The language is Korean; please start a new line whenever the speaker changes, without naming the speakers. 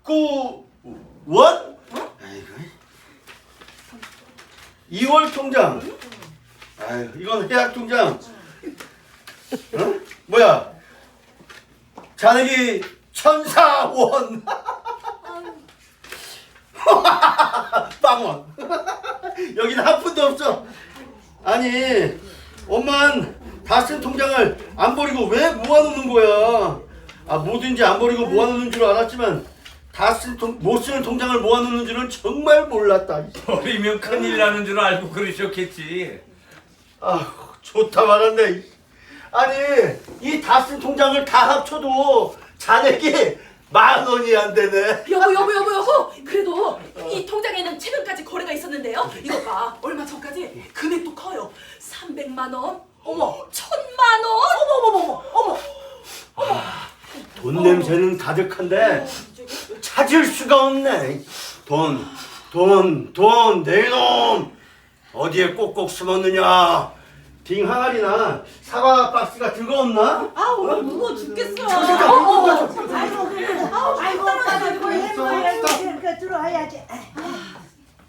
원? 아이고. 2월 통장. 아이고, 이건 해약 통장. 어? 뭐야? 잔액이 1,004원. 빵원. 여기는 한 푼도 없어. 아니, 엄마는 다 쓴 통장을 안 버리고 왜 모아놓는 거야? 아, 뭐든지 안 버리고 모아놓는 줄 알았지만 못 쓰는 통장을 모아놓는 줄은 정말 몰랐다.
버리면 큰일 나는 줄 알고 그러셨겠지.
아, 좋다 말았네. 아니, 이 다 쓴 통장을 다 합쳐도 잔액이 10,000원이 안 되네.
여보. 그래도 이 통장에는 최근까지 거래가 있었는데요. 이거 봐. 얼마 전까지 금액도 커요. 300만 원. 어머, 1,000만 원. 어머.
돈 냄새는 가득한데 찾을 수가 없네. 돈, 내 놈! 어디에 꼭꼭 숨었느냐? 빙 항아리나 사과 박스 같은 거 없나?
아, 오늘 무거워 죽겠어.
잠깐,